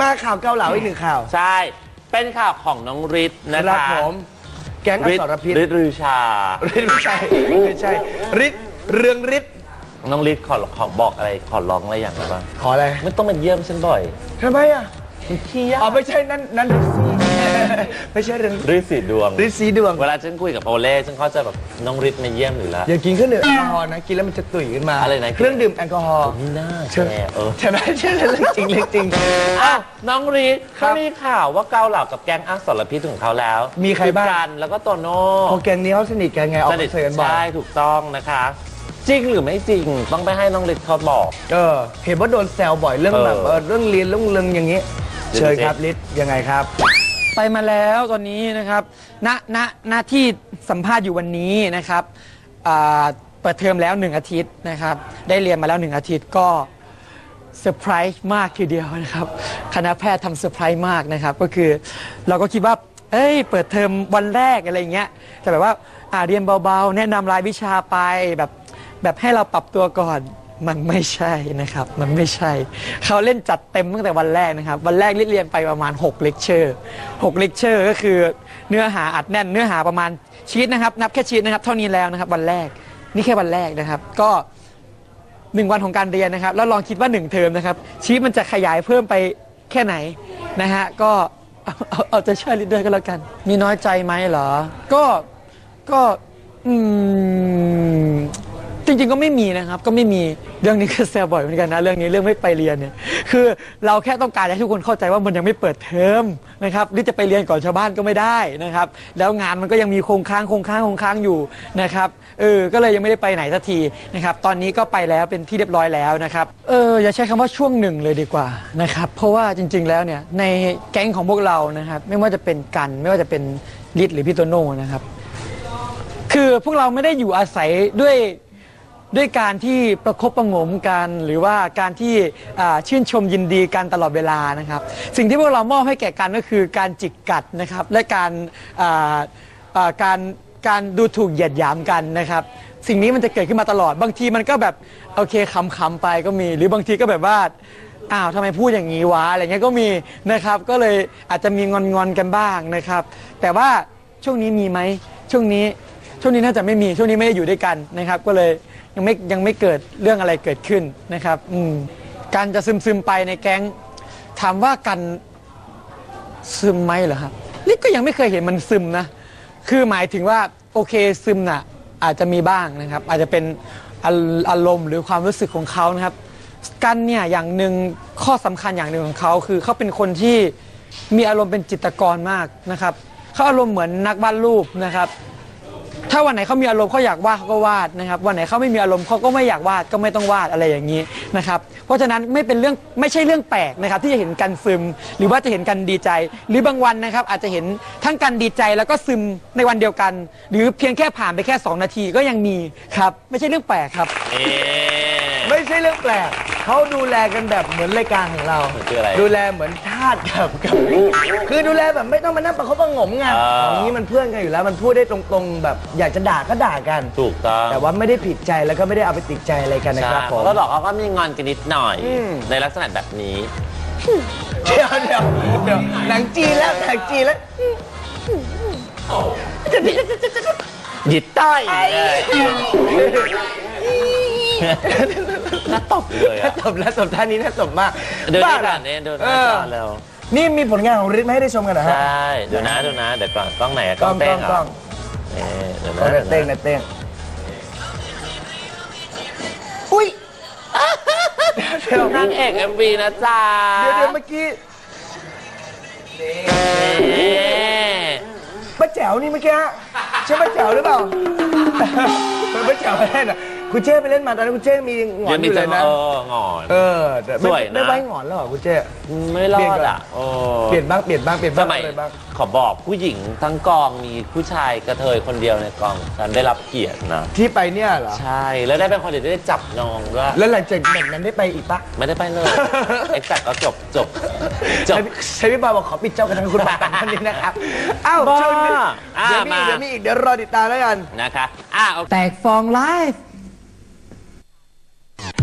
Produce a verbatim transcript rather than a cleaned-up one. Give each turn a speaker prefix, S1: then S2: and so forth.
S1: มาข่าวเกาเหลาอีกหนึ่งข่าว
S2: ใช่เป็นข่าวของน้องฤทธิ์นะคะ
S1: ผมแก๊งอสรพิษ
S2: ฤทธิ์ฤชา
S1: ฤทธิ์ไม่ใช่ไม่ใช่ฤทธิ์เรืองฤทธิ์
S2: น้องฤทธิ์ขอขอบอกอะไรขอร้องอะไรอย่างไรบ้าง
S1: ขออะไร
S2: ไม่ต้องมาเยี่ยมฉันบ่อย
S1: ทำไมอ่ะขี้ยาอ๋อไม่ใช่นั่นนั่นฤทธิ์ไม่ใช่เรื่อง
S2: ฤทธิ์สีดวง
S1: ฤทธิ์สีดวง
S2: เวลาฉันคุยกับโอเล่ฉันเขาจะแบบน้องฤทธิ์มาเยี่ยมอยู่แล้ว
S1: อย่ากินเครื่องดื่มแอลกอฮอล์นะกินแล้วมันจะตุ๋ยขึ้นมา
S2: อะไรนะ
S1: เครื่องดื่มแอลกอฮอล์
S2: นี่น่าใช่เออ
S1: ใช่ไหมใช่เรื่องจริงเรื่องจริง
S2: อ้าวน้องฤทธิ์เขามีข่าวว่าเกาเหลากับแก๊งอสรพิษของเขาแล้ว
S1: มีใครบ้าง
S2: แล้วก็โตโน่
S1: พอแก๊งนี้เขาสนิทกันไงออกมาเจอกันบ่อย
S2: ใช่ถูกต้องนะคะจริงหรือไม่จริงต้องไปให้น้องฤทธิ์เขาบอก
S1: เออเห็นว่าโดนแซวบ่อยเรื่องแบบเรื่องเรียนเรื่องเรื่องอย่างนี้เชิญครับฤทธิ์ยังไงครับ
S3: ไปมาแล้วตอนนี้นะครับณณหน้าที่สัมภาษณ์อยู่วันนี้นะครับเปิดเทอมแล้วหนึ่งอาทิตย์นะครับได้เรียนมาแล้วหนึ่งอาทิตย์ก็เซอร์ไพรส์มากทีเดียวนะครับคณะแพทย์ทำเซอร์ไพรส์มากนะครับก็คือเราก็คิดว่าเอ้ยเปิดเทอมวันแรกอะไรเงี้ยแต่แบบว่าอ่าเรียนเบาๆแนะนำรายวิชาไปแบบแบบให้เราปรับตัวก่อนมันไม่ใช่นะครับมันไม่ใช่เขาเล่นจัดเต็มตั้งแต่วันแรกนะครับวันแรกเรียนไปประมาณหกเลคเชอร์หกเลคเชอร์ก็คือเนื้อหาอัดแน่นเนื้อหาประมาณชีทนะครับนับแค่ชีทนะครับเท่านี้แล้วนะครับวันแรกนี่แค่วันแรกนะครับก็หนึ่งวันของการเรียนนะครับแล้วลองคิดว่าหนึ่งเทอมนะครับชีทมันจะขยายเพิ่มไปแค่ไหนนะฮะก็เอาเอาใจช่วยลิดเดอร์ก็แล้วกันมีน้อยใจไหมเหรอก็ก็อืมจริงๆก็ไม่มีนะครับก็ไม่มีเรื่องนี้ก็แซวบ่อยเหมือนกันนะเรื่องนี้เรื่องไม่ไปเรียนเนี่ยคือเราแค่ต้องการให้ทุกคนเข้าใจว่ามันยังไม่เปิดเทอมนะครับหรือจะไปเรียนก่อนชาวบ้านก็ไม่ได้นะครับแล้วงานมันก็ยังมีโครงค้างโครงค้างโครงค้างอยู่นะครับเออก็เลยยังไม่ได้ไปไหนสักทีนะครับตอนนี้ก็ไปแล้วเป็นที่เรียบร้อยแล้วนะครับเอออย่าใช้คำว่าช่วงหนึ่งเลยดีกว่านะครับเพราะว่าจริงๆแล้วเนี่ยในแก๊งของพวกเรานะครับไม่ว่าจะเป็นกันไม่ว่าจะเป็นฤทธิ์หรือพี่โตโน่นะครับคือพวกเราไม่ได้อยู่อาศัยด้วยด้วยการที่ประคบประงมกันหรือว่าการที่ชื่นชมยินดีกันตลอดเวลานะครับสิ่งที่พวกเรามอบให้แก่กันก็คือการจิกกัดนะครับและการการการดูถูกเหยียดหยามกันนะครับสิ่งนี้มันจะเกิดขึ้นมาตลอดบางทีมันก็แบบโอเคขำๆไปก็มีหรือบางทีก็แบบว่าอ้าวทำไมพูดอย่างนี้วะอะไรเงี้ยก็มีนะครับก็เลยอาจจะมีงอนๆกันบ้างนะครับแต่ว่าช่วงนี้มีไหมช่วงนี้ช่วงนี้น่าจะไม่มีช่วงนี้ไม่ได้อยู่ด้วยกันนะครับก็เลยยังไม่ยังไม่เกิดเรื่องอะไรเกิดขึ้นนะครับอืมการจะซึมซึมไปในแก๊งถามว่ากันซึมไหมเหรอครับนี่ก็ยังไม่เคยเห็นมันซึมนะคือหมายถึงว่าโอเคซึมน่ะอาจจะมีบ้างนะครับอาจจะเป็นอารมณ์หรือความรู้สึกของเขานะครับกันเนี่ยอย่างหนึ่งข้อสำคัญอย่างหนึ่งของเขาคือเขาเป็นคนที่มีอารมณ์เป็นจิตรกรมากนะครับเขาอารมณ์เหมือนนักวาดรูปนะครับถ้าวันไหนเขามีอารมณ์เขาอยากวาดเขาก็วาดนะครับวันไหนเขาไม่มีอารมณ์เขาก็ไม่อยากวาดก็ไม่ต้องวาดอะไรอย่างนี้นะครับเพราะฉะนั้นไม่เป็นเรื่องไม่ใช่เรื่องแปลกนะครับที่จะเห็นกันซึมหรือว่าจะเห็นกันดีใจหรือบางวันนะครับอาจจะเห็นทั้งกันดีใจแล้วก็ซึมในวันเดียวกันหรือเพียงแค่ผ่านไปแค่สองนาทีก็ยังมีครับไม่ใช่เรื่องแปลกครับ
S1: ไม่ใช่เรื่องแปลกเขาดูแลกันแบบเหมือนรายการของเราดูแลเหมือนทาสกับกับคือดูแลแบบไม่ต้องมานั่งประคบประงมไงอย่างนี้มันเพื่อนกันอยู่แล้วมันพูดได้ตรงๆแบบอยากจะด่าก็ด่ากัน
S2: ถูกต้อง
S1: แต่ว่าไม่ได้ผิดใจแล้วก็ไม่ได้เอาไปติดใจอะไรกันนะครับผม
S2: แล้วบอกเขาก็มีงอนกันนิดหน่อยในลักษณะแบบนี้
S1: เดี๋ยวเดี๋ยวเดี๋ยวหนังจีนแล้วหนังจีนแล้ว
S2: หยิบใต้น่าตบเลย
S1: น่าตบแล้วตบท่านี้น่าตบมาก
S2: เดินได้กันเนี่ยเดินได้กันแล้ว
S1: นี่มีผลงานของฤทธิ์มาให้ได้ชมกันนะฮะ
S2: ใช่เดี๋ยวนะเดี๋ยวนะเดี๋ยวก่อนกล้องไหนกล้องเต้ง
S1: กล้อง
S2: เดี๋ยว
S1: นะเต้งนะเต้งอุ้ย
S2: เดี๋ยวนางเอกเอ็มวีนะจ๊ะ
S1: เดี๋ยวเดี๋ยวเมื่อกี้ป้าแจ๋วนี่เมื่อกี้ใช่ป้าแจ๋วหรือเปล่าป้าแจ๋วอะไรน่ะคุณเจ้ไปเล่นมาตอนนั้นคุณเจ้มีหงอนอยู่เลยนะ
S2: เออหงอน
S1: เออสวยนะไม่ไว้หงอนแล้วเหรอคุณเจ้
S2: ไม่รอดอ่ะ
S1: เปลี่ยนบ้างเปลี่ยนบ้างเปลี่ยนบ้างเลยบ้าง
S2: ขอบอกผู้หญิงทั้งกองมีผู้ชายกระเทยคนเดียวในกองฉันได้รับเกียรตินะ
S1: ที่ไปเนี่ยเหรอ
S2: ใช่แล้วได้เป็นคนเดียวได้จับน้องด้วย
S1: แล้วหลังจากนั้นได้ไปอีกปะ
S2: ไม่ได้ไปเลยเอ็กซ์แซกก็จบจบ
S1: จบใช้พี่บอยบอกขอปิดเจ้ากันทั้งคุณบาท่านนี้นะครับอ้าวเดี๋ยวมีเดี๋ยวมีอีกเดี๋ยวรอติดตามแล้วกัน
S2: นะคะอ้าว
S3: แตกฟองไลฟ์